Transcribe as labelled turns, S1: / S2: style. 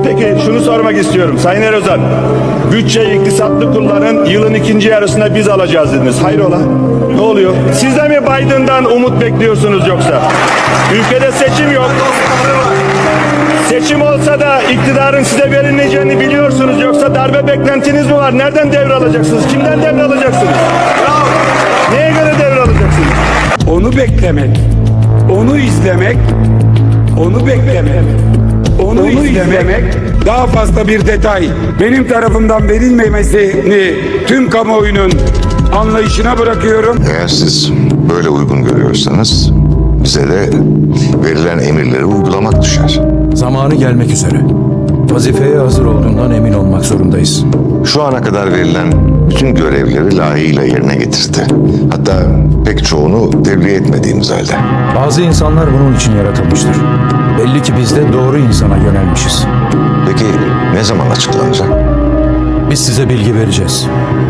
S1: Peki şunu sormak istiyorum Sayın Erozan. Bütçeyi iktisatlı kullanın, yılın ikinci yarısında biz alacağız dediniz. Hayrola? Ne oluyor? Siz de mi Biden'dan umut bekliyorsunuz yoksa? Ülkede seçim yok. Seçim olsa da iktidarın size verilmeyeceğini biliyorsunuz, yoksa darbe beklentiniz mi var? Nereden devralacaksınız? Kimden devralacaksınız? Neye göre devralacaksınız?
S2: Onu beklemek, onu izlemek, onu beklemek, onu izlemek daha fazla bir detay. Benim tarafımdan verilmemesini tüm kamuoyunun anlayışına bırakıyorum.
S3: Eğer siz böyle uygun görüyorsanız bize de verilen emirleri uygulamak düşer.
S4: Zamanı gelmek üzere. Vazifeye hazır olduğundan emin olmak zorundayız.
S3: Şu ana kadar verilen bütün görevleri layığıyla yerine getirdi. Hatta pek çoğunu tebliğ etmediğimiz halde.
S4: Bazı insanlar bunun için yaratılmıştır. Belli ki biz de doğru insana yönelmişiz.
S3: Peki ne zaman açıklanacak?
S4: Biz size bilgi vereceğiz.